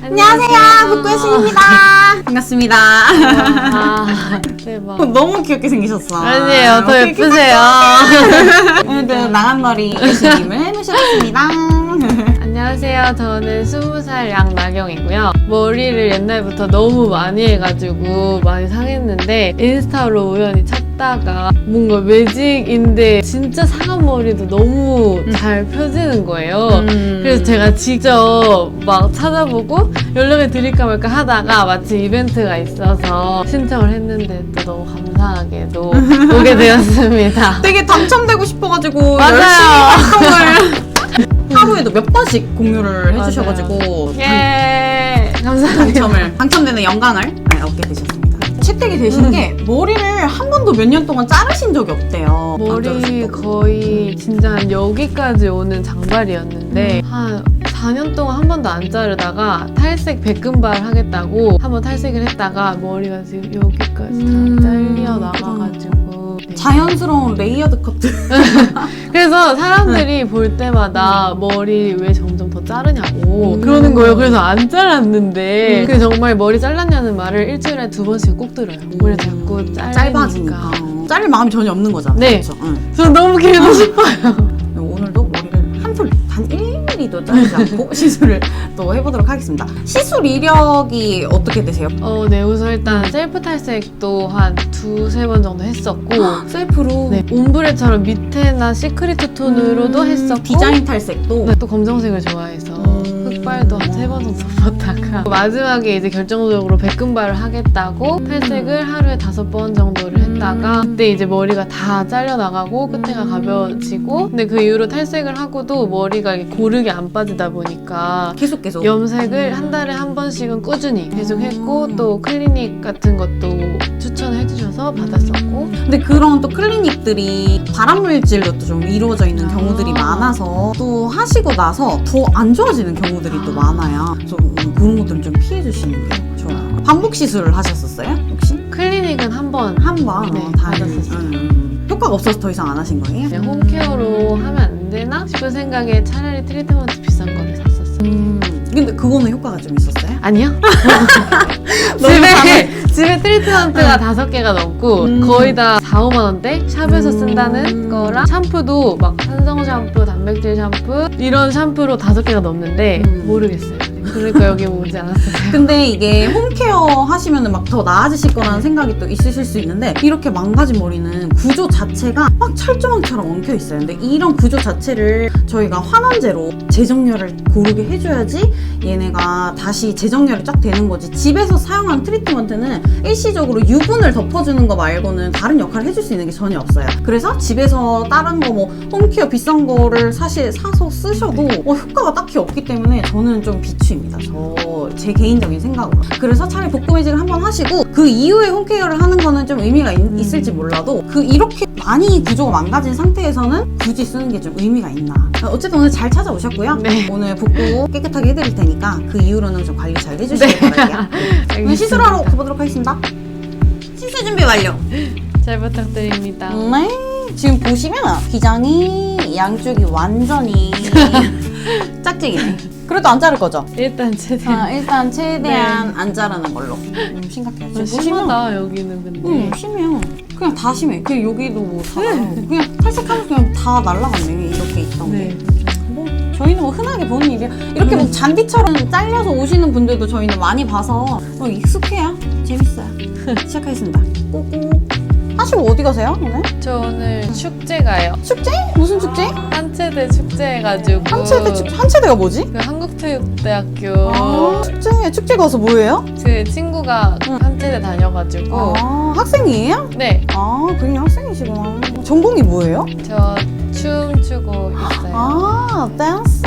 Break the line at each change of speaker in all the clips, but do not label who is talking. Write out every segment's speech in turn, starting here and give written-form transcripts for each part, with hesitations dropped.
안녕하세요, 북구의 신입니다. 반갑습니다.
대박.
너무 귀엽게 생기셨어.
아니에요, 더 예쁘세요.
오늘도 나간머리 예수님을 모셔봤습니다.
안녕하세요, 저는 20살 양나경이고요. 머리를 옛날부터 너무 많이 해가지고 많이 상했는데 인스타로 우연히 찾다가 뭔가 매직인데 진짜 상한 머리도 너무 잘 펴지는 거예요. 그래서 제가 직접 막 찾아보고 연락을 드릴까 말까 하다가 마침 이벤트가 있어서 신청을 했는데 또 너무 감사하게도 오게 되었습니다.
되게 당첨되고 싶어가지고
맞아요.
열심히 활동을 하루에도 몇 번씩 공유를 해주셔가지고
예, 감사합니다.
당첨되는 영광을 얻게 되셨습니다. 채택이 되신 게 머리를 한 번도 몇 년 동안 자르신 적이 없대요.
머리 거의 진짜 한 여기까지 오는 장발이었는데 한 4년 동안 한 번도 안 자르다가 탈색 백금발 하겠다고 한번 탈색을 했다가 머리가 지금 여기까지 다 잘려 나가가지고 네.
자연스러운 레이어드 커트.
그래서 사람들이 볼 때마다 머리 왜 점점 더 자르냐고 그러는 거예요. 그래서 안 잘랐는데 그 정말 머리 잘랐냐는 말을 일주일에 2번씩 꼭 들어요. 머리 자꾸
짧아지니까 자를 마음이 전혀 없는 거잖아요.
네.
그렇죠? 응.
저 너무 길고 싶어요.
오늘도 머리를 한 톨, 단 1mm도 자르지 않고 시술을 또 해보도록 하겠습니다. 시술 이력이 어떻게 되세요?
네, 우선 일단 셀프 탈색도 한 2-3번 정도 했었고
셀프로?
네, 옴브레처럼 밑에나 시크릿 톤으로도 했었고
디자인 탈색도?
네, 또 검정색을 좋아해서 흑발도 한 3번 정도 써봤다가 마지막에 이제 결정적으로 백금발을 하겠다고 탈색을 하루에 5번 정도를 했다가 그때 이제 머리가 다 잘려나가고 끝에가 가벼워지고 근데 그 이후로 탈색을 하고도 머리가 이렇게 고르게 안 빠지다 보니까
계속
염색을 한 달에 한 번씩은 꾸준히 계속 했고 또 클리닉 같은 것도 추천을 해주셔서 받았었고
근데 그런 또 클리닉들이 발암물질로 또 좀 이루어져 있는 경우들이 많아서 또 하시고 나서 더 안 좋아지는 경우들이 또 많아요. 좀 그런 것들은 좀 피해 주시는 게 좋아요. 반복 시술을 하셨었어요? 혹시?
클리닉은 한 번
네,
다 받았었어요.
효과가 없어서 더 이상 안 하신 거예요?
그냥 홈케어로 하면 안 되나 싶은 생각에 차라리 트리트먼트 비싼 거를 샀었어요.
근데 그거는 효과가 좀 있었어요?
아니요? 집에 트리트먼트가 5개가 넘고 거의 다 4-5만 원대 샵에서 쓴다는 거랑 샴푸도 막 산성 샴푸, 단백질 샴푸 이런 샴푸로 5개가 넘는데 모르겠어요. 그러니까 여기 오지 않았어요.
근데 이게 홈케어 하시면 막 더 나아지실 거라는 생각이 또 있으실 수 있는데 이렇게 망가진 머리는 구조 자체가 막 철조망처럼 엉켜 있어요. 근데 이런 구조 자체를 저희가 환원제로 재정렬을 고르게 해줘야지 얘네가 다시 재정렬이 쫙 되는 거지. 집에서 사용한 트리트먼트는 일시적으로 유분을 덮어주는 거 말고는 다른 역할을 해줄 수 있는 게 전혀 없어요. 그래서 집에서 다른 거 뭐 홈케어 비싼 거를 사실 사서 쓰셔도 효과가 딱히 없기 때문에 저는 좀 비추입니다. 제 개인적인 생각으로. 그래서 차라리 복구 매직을 한번 하시고 그 이후에 홈케어를 하는 거는 좀 의미가 있을지 몰라도 이렇게 많이 구조가 망가진 상태에서는 굳이 쓰는 게 좀 의미가 있나. 어쨌든 오늘 잘 찾아오셨고요.
네.
오늘 복구 깨끗하게 해드릴 테니까 그 이후로는 좀 관리 잘 해주시길 바랄게요. 오늘 시술하러 가보도록 하겠습니다. 시술 준비 완료.
잘 부탁드립니다.
네. 지금 보시면 기장이 양쪽이 완전히 짝짝이네. 그래도 안 자를 거죠?
일단 최대한
일단 최대한 안 자르는 걸로. 심각해요. 지금
심하다 여기는 근데
심해요. 그냥 다 심해. 그냥 여기도 뭐 다. 그냥 탈색하면 그냥 다 날라갔네. 이렇게 있던 게. 뭐 저희는 뭐 흔하게 보는 일이야. 이렇게 뭐 잔디처럼 잘려서 오시는 분들도 저희는 많이 봐서 익숙해요. 재밌어요. 시작하겠습니다. 꼬꼬. 하시고 어디 가세요 오늘?
저 오늘 축제 가요.
축제? 무슨 축제?
한체대 축제 해가지고
한체대가 뭐지?
그 한국체육대학교
축제 가서 뭐해요?
그 친구가 한체대 다녀가지고
학생이에요?
네,
그냥 학생이시구나. 전공이 뭐예요?
저 춤 추고 있어요.
댄스.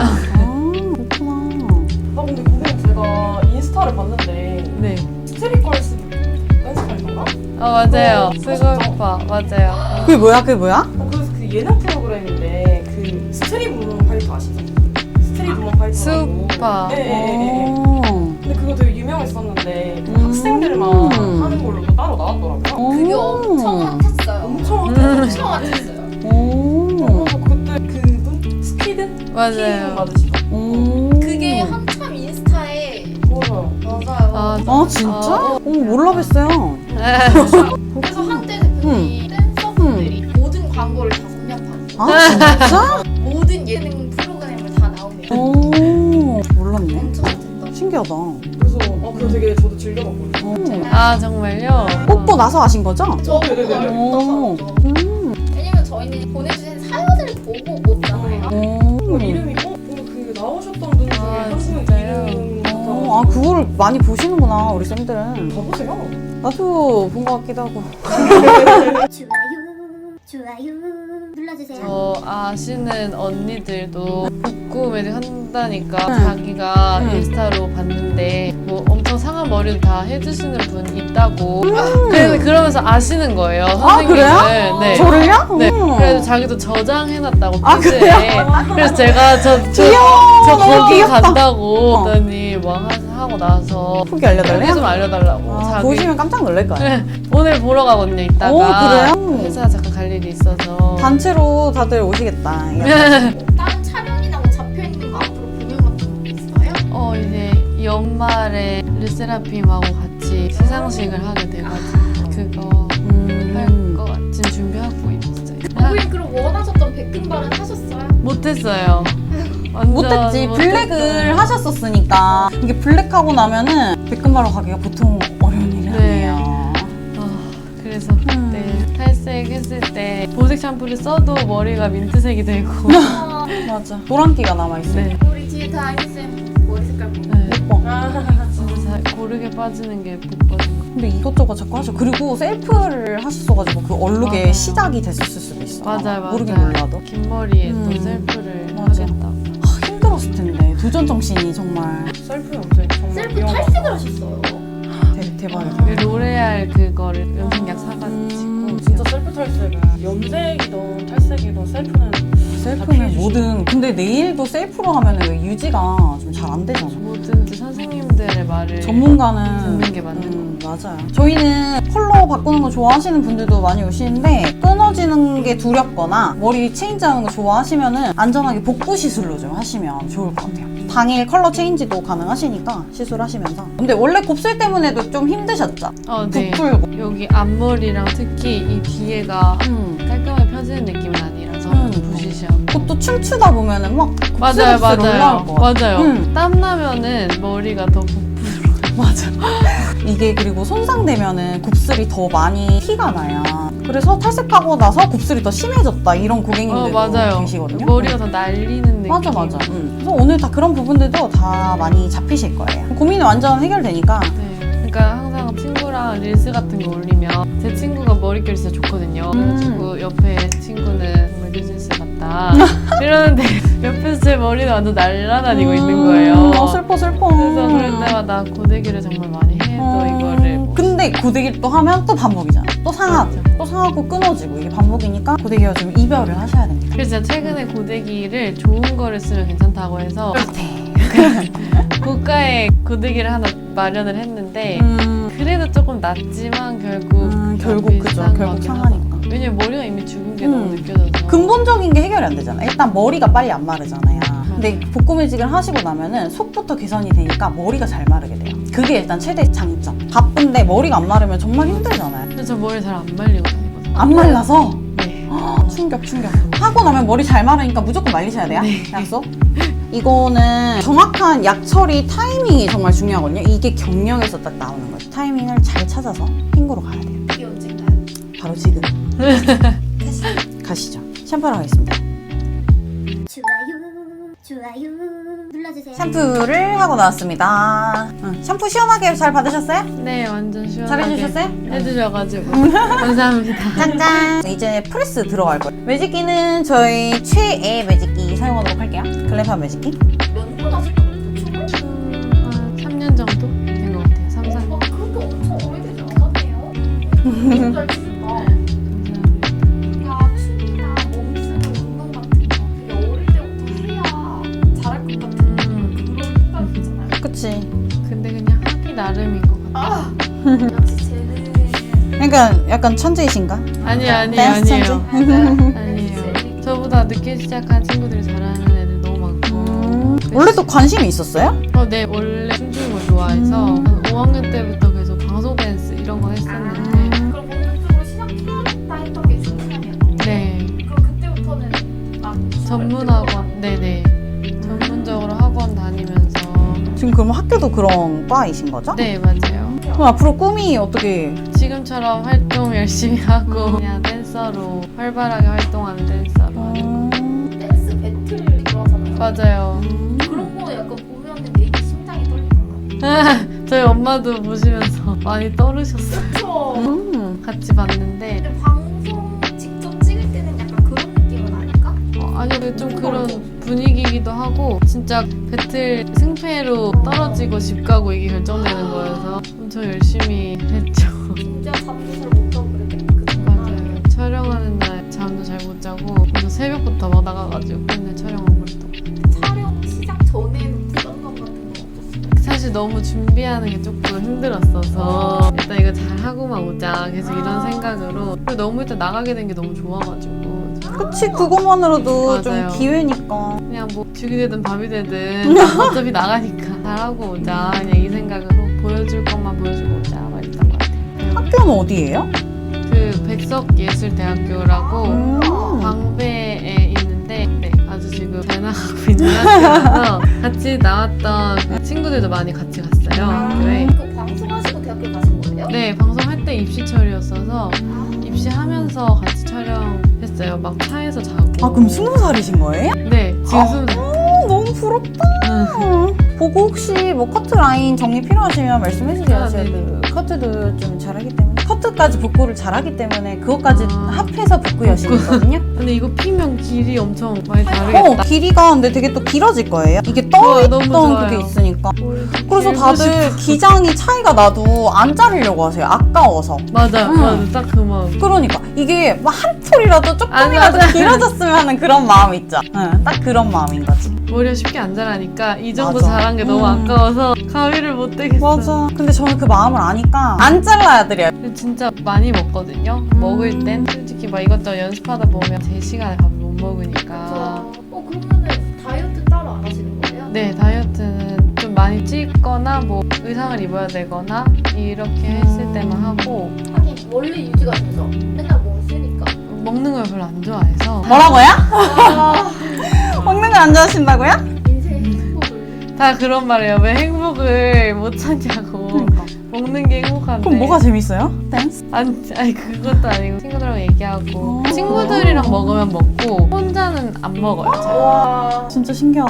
그렇구나.
근데 고객님 제가 인스타를 봤는데
네.
스트릿 걸스 댄스하던가?
맞아요. 스골파 맞아요.
그게 뭐야?
그래서 그 예능 프로그램인데 그 스트릿 우먼 파이터 아시죠? 스트릿 우먼 파이터라고.
수파.
네. 근데 그거 되게 유명했었는데 그 학생들만 하는 걸로 또 따로 나왔더라고요.
그게 엄청 핫했어요.
엄청
엄청 핫했어요.
그래서 그때 그분 스키든?
맞아요.
맞으시죠?
그게 한참 인스타에
아 진짜? 몰라 뵀어요.
그래서 한때 대표님 댄서분들이 모든 광고를 다 섭렵하는
아 진짜?
모든 예능 프로그램을 다 나오네요.
오 몰랐네.
엄청 됐다.
신기하다.
그래서 그거 되게 저도 즐겨봤거든요.
아 정말요?
뽑고 나서 아신 거죠?
저
네네네.
오.
왜냐면 저희는 보내주신 사연을 보고 뽑잖아요.
이름이 그 나오셨던 분 중에
아,
한 분
진짜요?
이름
아 그거를 많이 보시는구나 우리 쌤들은.
가보세요.
나도 본 것 같기도 하고.
좋아요 눌러주세요.
저 아시는 언니들도 복구 매직 한다니까
응.
자기가
응.
인스타로 봤는데 뭐 엄청 상한 머리도 다 해주시는 분 있다고 그러면서 아시는 거예요 선생님을.
그래요?
네.
저를요?
네. 그래서 자기도 저장해놨다고
아,
페이지에. 그래서 제가 저
너무
거기
귀엽다.
간다고
어.
했더니 뭐 하고 나서
후기 알려달래요?
후기 좀 알려달라고.
아,
자기
보시면 깜짝 놀랄 거예요.
오늘 보러 가거든요 이따가.
오, 그래요?
회사 잠깐 갈 일이 있어서.
단체로 다들 오시겠다.
다른 촬영이나 뭐 잡혀있는 거 앞으로 공연 같은 거 있어요?
이제 연말에 르세라핌하고 같이 시상식을 하게 돼가지고 그거 할 것 같은 준비하고 있어요.
우리 그럼 원하셨던 백금발은 하셨어요?
못했어요. 완전
못했지. 블랙을 하셨었으니까. 이게 블랙하고 나면은 백금바로 가기가 보통 어려운 일이
네.
아니에요.
그래서 그때 탈색했을 때 보색 샴푸를 써도 머리가 민트색이 되고.
맞아. 노란기가 남아있어요.
네.
우리 뒤에 다이쌤 머리 색깔 보고
네.
예뻐.
진짜 잘 고르게 빠지는 게 복거든.
근데 이것저것 자꾸 하죠. 그리고 셀프를 하셨어가지고 그 얼룩의
맞아요.
시작이 됐었을 수도 있어.
맞아요.
모르긴
맞아요.
몰라도.
긴 머리에 또
음.
셀프를
맞아.
하겠다고.
힘들었을 텐데. 도전 정신이 정말
셀프 염색 정말
셀프
위험하다.
탈색을 하셨어요.
대박이다.
그 로레알 그거를 염색약 사가지고.
진짜 셀프 탈색은 염색이든 탈색이든 셀프는
셀프는 뭐든. 근데 네일도 셀프로 하면 왜 유지가 좀 잘 안 되잖아.
뭐든지 선생님들의 말을
전문가는
듣는 게 맞는
맞아요. 저희는 컬러 바꾸는 거 좋아하시는 분들도 많이 오시는데 끊어지는 게 두렵거나 머리 체인지하는 거 좋아하시면은 안전하게 복구 시술로 좀 하시면 좋을 것 같아요. 당일 컬러 체인지도 가능하시니까 시술하시면서. 근데 원래 곱슬 때문에도 좀 힘드셨죠?
네.
부풀고.
여기 앞머리랑 특히 이 뒤에가 깔끔하게 펴지는 느낌은 아니라서 부시시하고.
그것도 춤추다 보면은 막
맞아요,
곱슬곱슬 올라올 것 같아.
맞아요. 땀 나면은 머리가 더
맞아. 이게 그리고 손상되면은 곱슬이 더 많이 티가 나요. 그래서 탈색하고 나서 곱슬이 더 심해졌다 이런 고객님들도
맞아요.
계시거든요.
머리가 더 날리는 느낌.
맞아. 그래서 오늘 다 그런 부분들도 다 많이 잡히실 거예요. 고민이 완전 해결되니까.
네. 그러니까 항상 친구랑 릴스 같은 거 올리면 제 친구가 머릿결이 진짜 좋거든요. 그래가지고 옆에 친구는 정말 뉴진스 같다 이러는데 옆에서 제 머리는 완전 날아다니고 있는 거예요.
슬퍼.
그래서 그럴 때마다 고데기를 정말 많이 해. 또 이거를 뭐.
근데 고데기를 또 하면 또 반복이잖아. 또 상하고 또 상하고 끊어지고 이게 반복이니까 고데기와 좀 이별을 하셔야 됩니다.
그래서 제가 최근에 고데기를 좋은 거를 쓰면 괜찮다고 해서 고가의 고데기를 하나 마련을 했는데 그래도 조금 낫지만 결국
그죠.
비싼
결국
거긴
상하니까.
하다. 왜냐면 머리가 이미 죽은 게 너무 느껴져서.
근본적인 게 해결이 안 되잖아. 일단 머리가 빨리 안 마르잖아요. 근데 복구 매직을 하시고 나면은 속부터 개선이 되니까 머리가 잘 마르게 돼요. 그게 일단 최대 장점. 바쁜데 머리가 안 마르면 정말 힘들잖아요.
근데 저 머리 잘 안 말리고 다니거든요.
안 말라서
네.
충격. 하고 나면 머리 잘 마르니까 무조건 말리셔야 돼요. 약속. 이거는 정확한 약 처리 타이밍이 정말 중요하거든요. 이게 경영에서 딱 나오는 거예요. 타이밍을 잘 찾아서 핑구로 가야 돼요.
이게 언젠가요?
바로 지금. 가시죠. 샴푸하러 가겠습니다.
좋아요 눌러주세요.
샴푸를 하고 나왔습니다. 샴푸 시원하게 잘 받으셨어요?
네, 완전 시원하게
잘해주셨어요?
해주셔가지고 감사합니다.
짠짠! 이제 프레스 들어갈 거예요. 매직기는 저희 최애 매직기 사용하도록 할게요. 글램팜 매직기.
몇분 하셨다고 보충을?
한 3년 정도 된 것 같아요. 3, 4년.
와 그렇게 엄청 오래되지 않았네요. 너무 잘 치신다.
감사합니다.
야 춤이나 몸쓰는 운동 같은 거 되게 어릴 때부터 해야 잘할 것 같은 그런 생각이 있잖아요.
그치.
근데 그냥 하기 나름인 것 같아요.
역시 쟤는
그러니까 약간 천재이신가?
아니에요.
댄스 천재?
아니에요. 저보다 늦게 시작한 친구들이 잘하는 애들 너무 많고.
원래 또 관심이 있었어요?
네, 원래 춤추는 걸 좋아해서 한 5학년 때부터 계속 방송 댄스 이런 거 했었는데
그럼 본격적으로 시작해야겠다 했던 게 중3이었던 거예요?
네
그럼 그때부터는 막
전문 학원 네네 전문적으로 학원 다니면서
지금 그럼 학교도 그런 과이신 거죠?
네 맞아요.
그럼 앞으로 꿈이 어떻게?
지금처럼 활동 열심히 하고 그냥 댄서로 활발하게 활동하는 댄서로 하는 거.
댄스 배틀 좋아하잖아요.
맞아요.
그런 거 약간 보면은 되게 심장이 떨리잖아요.
저희 엄마도 보시면서 많이 떨으셨어요.
그쵸?
같이 봤는데
근데 방송 직접 찍을 때는 약간 그런 느낌은 아닐까?
아니요 좀 그런 분위기이기도 하고 진짜 배틀 승패로 떨어지고 집 가고 이게 결정되는 거여서 엄청 열심히 했죠.
진짜 잠도 잘 못 자고 그랬겠다. 그
맞아요. 촬영하는 날 잠도 잘 못 자고 그래서 새벽부터 막 나가가지고 맨날 촬영하고 그랬던 거.
촬영 시작 전에는 부담감 같은 거 없었어요?
사실 너무 준비하는 게 조금 힘들었어서 일단 이거 잘 하고만 오자 계속 이런 생각으로 그리고 너무 일단 나가게 된 게 너무 좋아가지고
그치, 그것만으로도
맞아요.
좀 기회니까.
그냥 뭐 죽이 되든 밥이 되든 어차피 나가니까 잘하고 오자 그냥 이 생각으로 보여줄 것만 보여주고 오자 막 이랬던 것 같아요.
학교는 어디예요?
그 백석예술대학교라고
음.
광배에 있는데 네, 아주 지금 잘 나가고 있는 학교라서 같이 나왔던 그 친구들도 많이 같이 갔어요 학교에.
그 방송하시고 대학교 가신 거예요?
네 방송할 때 입시철이었어서 입시하면서 같이 촬영했어요. 막 차에서 자고.
아, 그럼 20살이신 거예요?
네 지금
아.
20살.
너무 부럽다. 보고 혹시 뭐 커트 라인 정리 필요하시면 말씀해주세요.
아,
제가
네네.
그 커트도 좀 잘하기 때문에 커트까지 복구를 잘하기 때문에 그것까지
아.
합해서 복구 여신이거든요.
근데 이거 피면 길이 엄청 많이 다르겠다.
길이가 근데 되게 또 길어질 거예요. 이게
좋아요, 너무
떠있던
좋아요.
그게 있으니까. 그래서
길고
다들 기장이 차이가 나도 안 자르려고 하세요. 아까워서.
맞아요.
응.
맞아 딱 그 마음.
그러니까 이게 막 한 톨이라도 조금이라도
맞아.
길어졌으면 하는 그런 마음 있죠. 응, 딱 그런 마음인 거지.
머리가 쉽게 안 자라니까 이 정도
맞아.
자란 게 너무 아까워서 가위를 못 대겠어.
맞아. 근데 저는 그 마음을 아니까 안 잘라야 드려요.
진짜 많이 먹거든요. 먹을 땐 솔직히 막 이것저것 연습하다 보면 제 시간에 밥을 못 먹으니까.
그러면은 다이어트 따로 안 하시는 거예요?
네 다이어트는 좀 많이 찌거나 뭐 의상을 입어야 되거나 이렇게 했을 때만 하고
하긴 원래 유지가 되죠. 맨날 몸 쓰니까.
먹는 걸 별로 안 좋아해서
뭐라고요?
아,
먹는 거 안 좋아하신다고요?
인생 행복을.
다 그런 말이에요. 왜 행복을 못 찾냐고.
그러니까.
먹는 게 행복한데.
그럼 뭐가 재밌어요? 댄스?
아니 그것도 아니고 친구들하고 얘기하고
어.
친구들이랑 먹으면 먹고 혼자는 안 먹어요. 잘.
와.
진짜 신기하다.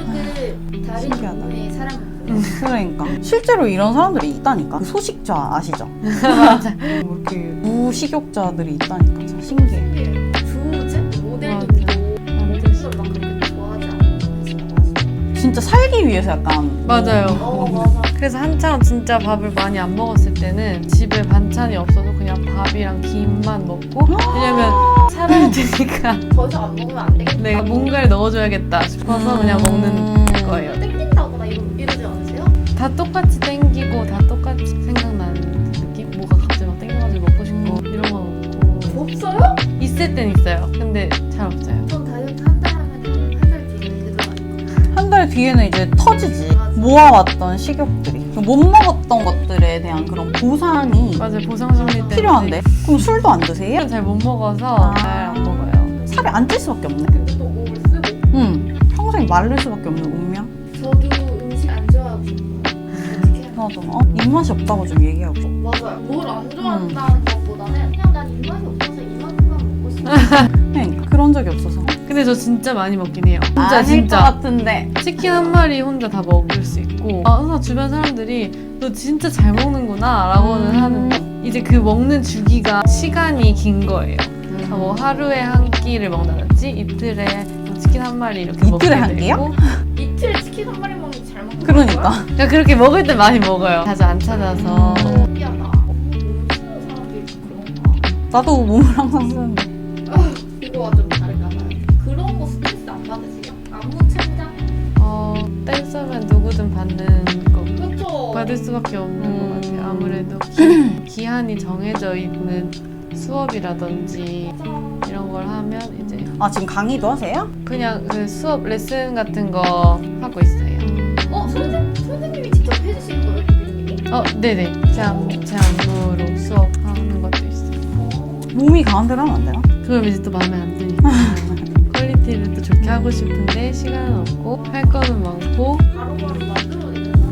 조금 다른
신기하다.
종류의 사람.
그러니까 실제로 이런 사람들이 있다니까. 그 소식자 아시죠?
맞아.
뭐 이렇게 무식욕자들이 있다니까. 진짜 신기해.
주제 모델님도 모델을 막 그렇게 좋아하지 않으신다고 하시죠?
진짜 살기 위해서 약간
맞아요.
맞아.
그래서 한창 진짜 밥을 많이 안 먹었을 때는 집에 반찬이 없어도 그냥 밥이랑 김만 먹고 왜냐면 살아야 되니까
더 이상 안 먹으면 안 되겠다.
내가 뭔가를 넣어줘야겠다 싶어서 그냥 먹는 거예요.
땡긴다거나 이러지 않으세요?
다 똑같이 땡기고 다 똑같이 생각나는 느낌? 뭐가 갑자기 막 땡겨가지고 먹고 싶고 이런 건 없고
없어요?
있을 땐 있어요. 근데 잘 없어요.
전 다이어트 한 달 하면 한 달 뒤에 되더라고요.
한 달 뒤에는 이제 터지지.
맞아.
모아왔던 식욕들이 못 먹었던 것들에 대한 그런 보상이
맞아요. 보상심리 때문에
필요한데. 그럼 술도 안 드세요?
잘 못 먹어서
아.
잘 안 먹어요.
살이 안 찔 수밖에 없네.
근데 또 몸을 쓰고.
평생 마를 수밖에 없는 운명.
저도 음식 안 좋아하고 싶어요. 어떻게 해야
맞아. 입맛이 없다고 좀 얘기하고 싶어.
맞아요. 뭘 안 좋아한다는 것보다는 그냥 난 입맛이 없어서 이만큼만 먹고 싶어.
그러니까 그런 적이 없어서.
근데 저 진짜 많이 먹긴 해요. 진짜
아닐 것
진짜
같은데.
치킨 한 마리 혼자 다 먹을 수 있고 항상 주변 사람들이 너 진짜 잘 먹는구나 라고는 하는데 이제 그 먹는 주기가 시간이 긴 거예요. 뭐 하루에 한 끼를 먹는다든지 이틀에 뭐 치킨 한 마리 이렇게 먹게
이틀에 한
되고
끼요?
이틀에 치킨 한 마리 먹는 게 잘 먹는
그러니까.
거야?
그러니까 그렇게 먹을 때 많이 먹어요. 자주 안 찾아서
신기하다. 몸 쓰는 사람들이 그런가?
나도 몸을 항상 쓰는데.
그거와 좀 다른가 봐요. 그런 거 스트레스 안 받으세요? 안무 창작?
댄서면 누구든 받는 거
그렇죠.
받을 수밖에 없는 것 같아요. 아무래도 기한이 정해져 있는 수업이라든지 이런 걸 하면 이제
아, 지금 강의도 하세요?
그냥 그 수업 레슨 같은 거 하고 있어요.
선생님이 직접 해주시는 거예요, 교수님이?
네네. 제 안무로 수업하는 것도 있어요.
몸이 강한 대로 하면 안 되나?
그럼 이제 또 마음에 안 드니까. 퀄리티를 또 좋게 하고 싶은데 시간은 없고 할 거는 많고
바로바로 만들어내는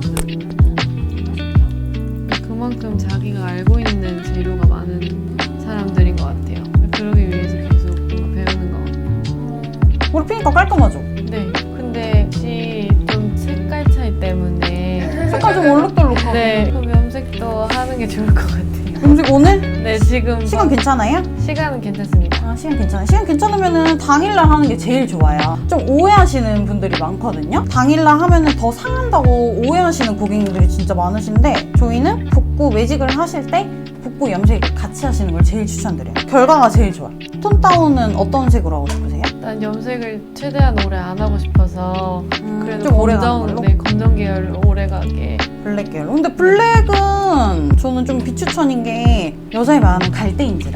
사람들이
그만큼 자기가 알고 있는 재료가 많은 사람들인 것 같아요. 그러기 위해서 계속 뭔가 배우는 것 같아요.
우리 피니까 깔끔하죠?
네. 근데 혹시 좀 색깔 차이 때문에
색깔 좀 얼룩덜룩하고.
네. 그럼 염색도 하는 게 좋을 것 같아요.
음식 오늘?
네, 지금
시간 괜찮아요?
시간은 괜찮습니다.
아, 시간 괜찮아요. 시간 괜찮으면은 당일날 하는 게 제일 좋아요. 좀 오해하시는 분들이 많거든요. 당일날 하면은 더 상한다고 오해하시는 고객님들이 진짜 많으신데 저희는 볶고 매직을 하실 때 볶고 염색 같이 하시는 걸 제일 추천드려요. 결과가 제일 좋아요. 톤 다운은 어떤 색으로 하고 싶으세요?
난 염색을 최대한 오래 안 하고 싶어서 그래도
좀 오래 가는 걸로?
네, 검정 계열로 오래 가게.
블랙 계열로. 근데 블랙은 저는 좀 비추천인 게 여자의 마음은 갈대인지라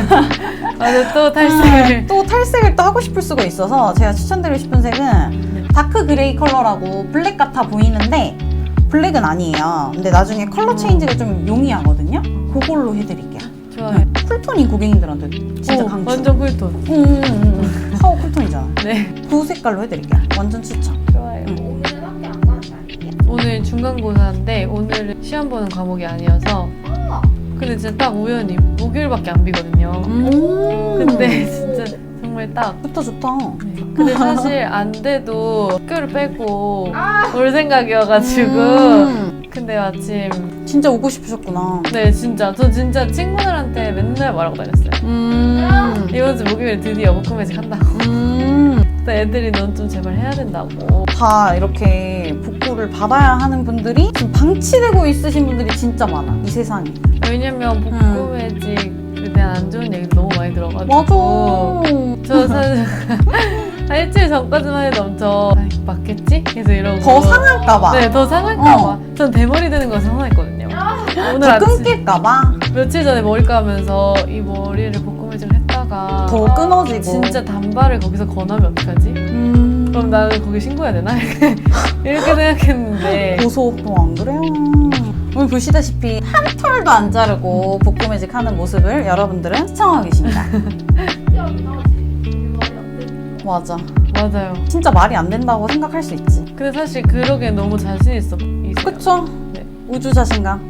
맞아, 또 탈색을.
또 탈색을 또 하고 싶을 수가 있어서 제가 추천드리고 싶은 색은 다크 그레이 컬러라고 블랙 같아 보이는데 블랙은 아니에요. 근데 나중에 컬러 체인지가 좀 용이하거든요. 그걸로 해드릴게요.
좋아요.
쿨톤인 고객님들한테 진짜
오,
강추.
완전 쿨톤.
파워 쿨톤이잖아.
네,
그 색깔로 해드릴게요. 완전 추천.
좋아요.
오늘은 학교 안 가는 날이에요.
오늘 중간고사인데 오늘은 시험 보는 과목이 아니어서 근데 진짜 딱 우연히 목요일밖에 안 비거든요. 근데 진짜 정말 딱
좋다 좋다.
근데 사실 안 돼도 학교를 빼고 올 생각이어가지고 근데 마침
진짜 오고 싶으셨구나.
네 진짜 저 진짜 친구들한테 맨날 말하고 다녔어요. 이번 주 목요일에 드디어 목금매직 한다고. 근데 애들이 넌 좀 제발 해야 된다고.
다 이렇게 복구를 받아야 하는 분들이 지금 방치되고 있으신 분들이 진짜 많아. 이 세상에.
왜냐면 목금매직에 대한 안 좋은 얘기 너무 많이 들어가지고
맞아.
저 사실 한 일주일 전까지만 해도 엄청 아, 이거 맞겠지? 계속 이러고
더 상할까봐.
네, 더 상할까봐. 전 대머리 되는 거 상했거든요. 오늘
더
아침
끊길까봐.
며칠 전에 머리 감으면서 이 머리를 볶음매직을 했다가
더 끊어지고.
진짜 단발을 거기서 권하면 어떡하지? 그럼 나는 거기 신고해야 되나? 이렇게 생각했는데
고소. 안 그래요? 오늘 보시다시피 한 털도 안 자르고 복구매직 하는 모습을 여러분들은 시청하고 계십니다.
특이하긴 하지. 우리 말이 안 되니까.
맞아.
맞아요.
진짜 말이 안 된다고 생각할 수 있지.
근데 사실 그러기엔 너무 자신 있어.
그쵸?
네.
우주 자신감.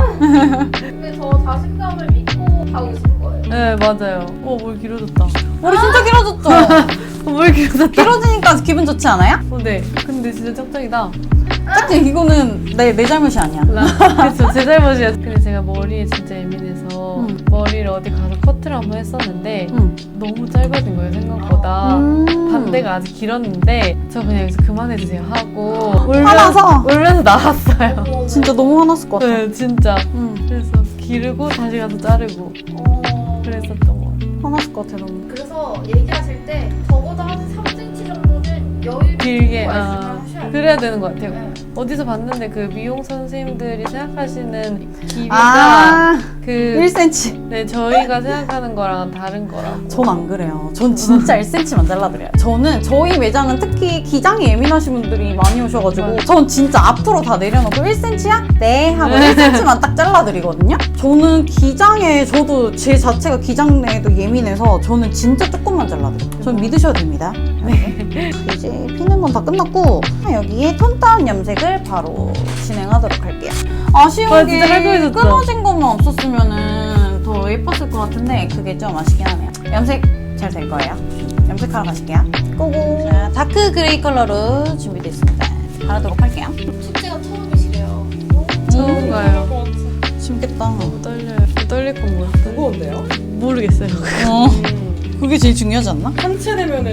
근데 저 자신감을 믿고 하고 있는 거예요.
네, 맞아요. 뭘 길어졌다.
머리 진짜 길어졌죠?
뭘 길어졌다.
길어지니까 기분 좋지 않아요?
네. 근데 진짜 짝짝이다.
딱히 이거는 내 잘못이 아니야.
그쵸, 제 잘못이야. 근데 제가 머리에 진짜 예민해서 머리를 어디 가서 커트를 한번 했었는데 너무 짧아진 거예요, 생각보다. 반대가 아직 길었는데 저 그냥 여기서 그만해주세요 하고
화나서?
울면서 나왔어요.
진짜 너무 화났을 것 같아.
네, 진짜. 그래서 기르고 다시 가서 자르고 그랬었던 것 같아요.
화났을 것 같아, 너무.
그래서 얘기하실 때 적어도 한 3cm 정도는 여유
길게,
있고 말씀을 하셔야 돼요.
그래야 되는 것 같아요.
네.
어디서 봤는데 그 미용 선생님들이 생각하시는 길이가
아,
그
1cm.
네, 저희가 생각하는 거랑 다른 거라고.
전 안 그래요. 전 진짜 1cm만 잘라드려요. 저는 저희 매장은 특히 기장이 예민하신 분들이 많이 오셔가지고 전 진짜 앞으로 다 내려놓고 1cm야? 네 하고 1cm만 딱 잘라드리거든요. 저는 기장에 저도 제 자체가 기장에도 예민해서 저는 진짜 조금만 잘라드려요. 전 믿으셔도 됩니다. 네. 이제 피는 건 다 끝났고 여기에 톤 다운 염색을 바로 진행하도록 할게요. 아쉬운
와,
게
진짜 깔끔해졌다.
끊어진 것만 없었으면은 더 예뻤을 것 같은데 그게 좀 아쉽긴 하네요. 염색 잘 될 거예요. 염색하러 가실게요. 고고. 자, 다크 그레이 컬러로 준비됐습니다. 바르도록 할게요.
첫째가 처음이시래요.
처음 가요.
재밌겠다.
떨려요. 떨릴 건 뭐야?
무거운데요?
모르겠어요.
그게 제일 중요하지 않나?
한체 되면은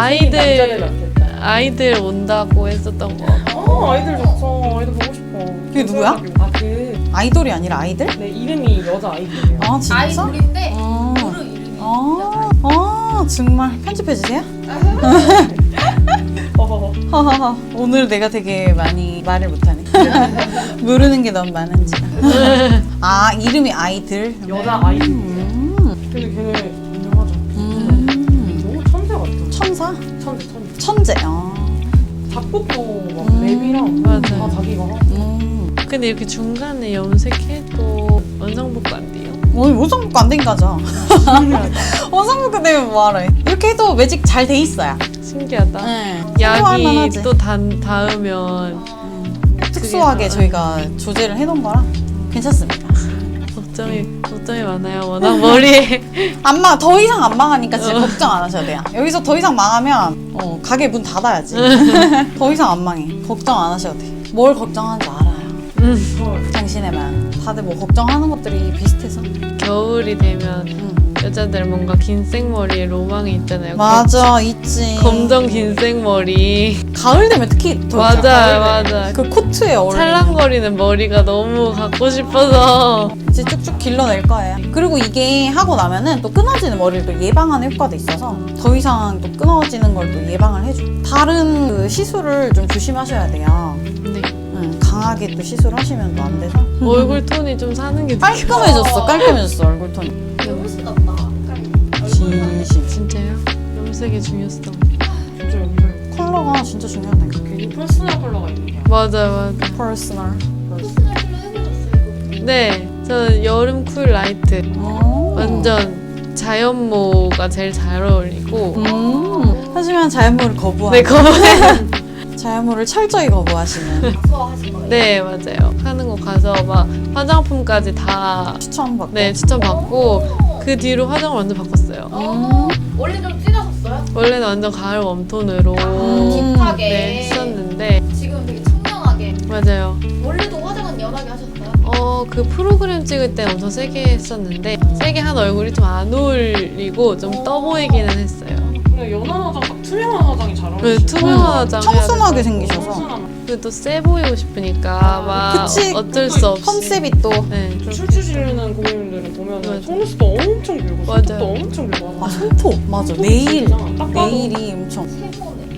아이들 온다고 했었던 거.
아이들 좋죠. 아이들 보고 싶어.
그게 누구야? 아이돌이 아니라 아이들?
네, 이름이 여자 아이들이에요.
아 진짜?
아이돌인데
아,
모르 이름이
정말 편집해주세요? 하하하. 오늘 내가 되게 많이 말을 못하네. 모르는 게 너무 많은지. 아, 이름이 아이들?
여자 아이들. 근데 걔네 유명하죠. 너무 천재 같아.
천사?
천재.
천재.
작곡도 막 랩이랑
맞아요.
다 자기가 하고.
근데 이렇게 중간에 염색해도 원상복구 안 돼요?
원상복구 안 되니까 하죠. 원상복구 되면 뭐하러 해. 이렇게 해도 매직 잘 돼 있어요.
신기하다.
네. 참고할
약이
만하지.
또 닿으면
특수하게
그게
저희가 조제를 해놓은 거라 괜찮습니다.
걱정이 많아요. 워낙 머리에.
더 이상 안 망하니까 진짜 걱정 안 하셔도 돼요. 여기서 더 이상 망하면 가게 문 닫아야지. 더 이상 안 망해. 걱정 안 하셔도 돼. 뭘 걱정하는지 알아요. 당신의만. 다들 뭐 걱정하는 것들이 비슷해서.
겨울이 되면 여자들 뭔가 긴 생머리에 로망이 있잖아요.
맞아, 있지.
검정 긴 생머리.
가을 되면 특히 더 있잖아.
맞아.
그 코트에 어울리는
찰랑거리는 머리가 너무 갖고 싶어서.
이제 쭉쭉 길러낼 거예요. 그리고 이게 하고 나면은 또 끊어지는 머리를 또 예방하는 효과도 있어서 더 이상 또 끊어지는 걸 또 예방을 해줘. 다른 그 시술을 좀 조심하셔야 돼요.
네.
강하게 또 시술을 하시면 또 안 돼서.
얼굴 톤이 좀 사는 게
깔끔해졌어, 얼굴 톤이.
훨씬 낫다.
진심.
진짜요? 염색의 중요성.
진짜 염색.
컬러가 진짜 중요하다니까.
괜히 퍼스널 컬러가 있는 게
맞아.
퍼스널.
포스널 컬러 해보셨어요?
네, 저는 여름 쿨 라이트. 완전 자연모가 제일 잘 어울리고.
하지만 자연모를 거부하는.
네, 거봐요.
자연모를 철저히 거부하시는.
무서워하신 거예요?
네, 맞아요. 하는 거 가서 막 화장품까지 다
추천받고.
네, 추천받고 그 뒤로 화장을 완전 바꿨어요.
원래 좀 진하셨어요?
원래는 완전 가을 웜톤으로
딥하게.
네, 했었는데
지금 되게 청량하게.
맞아요.
원래도 화장은 연하게 하셨어요?
그 프로그램 찍을 때 엄청 세게 했었는데 세게 한 얼굴이 좀 안 어울리고 좀 떠 보이기는 했어요.
근데 연한 화장, 딱 투명한 화장이 잘
네,
어울리시죠?
투명한 화장
청순하게 생기셔서.
청순한
그또 세 보이고 싶으니까 막
그치.
어쩔 수 없이
컨셉이 또.
네.
춤추 지르는 고객님들은 보면
맞아.
속눈썹도 엄청 길고
맞아요.
손톱도 엄청 길고
손톱. 맞아. 네일.
딱 봐도
네일이 엄청.
세모네.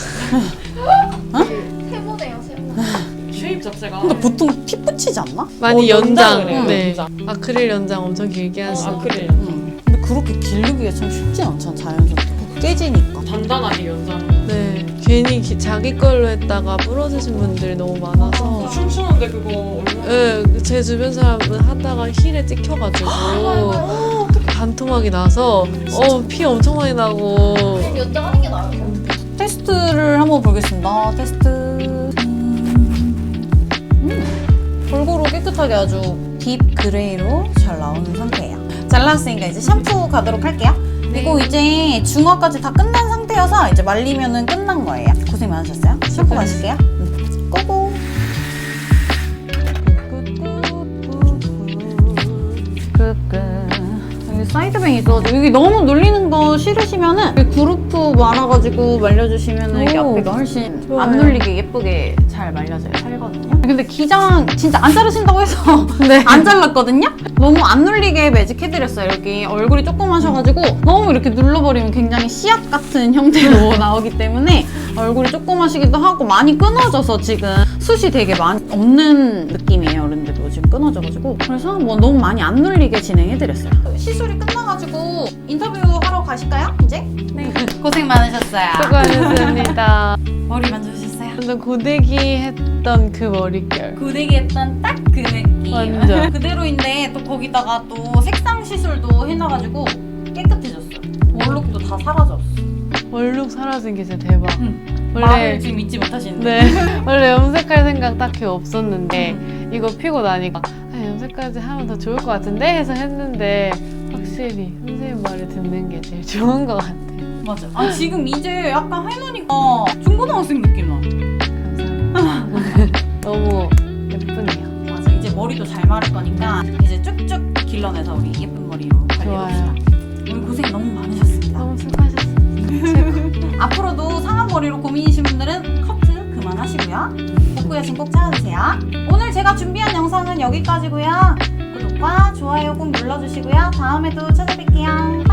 세모네요, 세모.
쉐입 자체가
근데 보통 피 붙이지 않나?
많이
연장을 해요,
연장. 네.
연장.
아크릴 연장 엄청 길게 하시고.
아크릴
근데 그렇게 기르기가 참 쉽진 않잖아, 자연스럽게. 깨지니까.
단단하게 연장.
네. 괜히 자기 걸로 했다가 부러지신 분들이 너무 많아서.
춤추는데 그거 얼마나
네, 제 주변 사람은 하다가 힐에 찍혀가지고 반토막이 나서 피 엄청 많이 나고.
그럼 연장하는 게 나아요.
테스트를 한번 보겠습니다. 테스트. 골고루 깨끗하게 아주 딥 그레이로 잘 나오는 상태예요. 잘 나왔으니까 이제 샴푸 가도록 할게요. 이거 이제 중화까지 다 끝난 상태여서 이제 말리면은 끝난 거예요. 고생 많으셨어요. 샴푸 마실게요. 고고. 여기 사이드뱅이 있어가지고 여기 너무 눌리는 거 싫으시면은 여기 그루프 말아가지고 말려주시면은 이게
오,
앞에가 훨씬
좋아요.
안 눌리게 예쁘게 잘 말려져요. 살거든요. 근데 기장 진짜 안 자르신다고 해서
네.
안 잘랐거든요? 너무 안 눌리게 매직해드렸어요. 여기 얼굴이 조그마셔가지고 너무 이렇게 눌러버리면 굉장히 씨앗 같은 형태로 나오기 때문에 얼굴이 조그마시기도 하고 많이 끊어져서 지금 숱이 되게 많이 없는 느낌이에요. 그런데도 지금 끊어져가지고 그래서 뭐 너무 많이 안 눌리게 진행해드렸어요. 시술이 끝나가지고 인터뷰 하러 가실까요? 이제? 네. 고생 많으셨어요.
수고하셨습니다.
머리 만져주셨어요?
완전 고데기 했던 그 머릿결.
고데기 했던 딱 그 느낌.
완전.
그대로인데 또 거기다가 또 색상 시술도 해놔가지고 깨끗해졌어요. 원룩도 다 사라졌어.
얼룩 사라진 게 진짜 대박.
말을 지금 잊지 못하시는데.
네. 원래 염색할 생각 딱히 없었는데 이거 피고 나니까 염색까지 하면 더 좋을 것 같은데 해서 했는데 확실히 선생님 말을 듣는 게 제일 좋은 것 같아요.
맞아. 아 지금 이제 약간 할머니가 중고등학생 느낌 나.
감사합니다. 너무 예쁘네요.
맞아. 이제 머리도 잘 마를 거니까 이제 쭉쭉 길러내서 우리 예쁜 머리로 관리해봅시다. 오늘 고생 너무 많으셨습니다.
너무 수고하셨습니다.
앞으로도 상한 머리로 고민이신 분들은 커트 그만하시고요. 복구 여신 꼭 찾아주세요. 오늘 제가 준비한 영상은 여기까지고요. 구독과 좋아요 꼭 눌러주시고요. 다음에도 찾아뵐게요.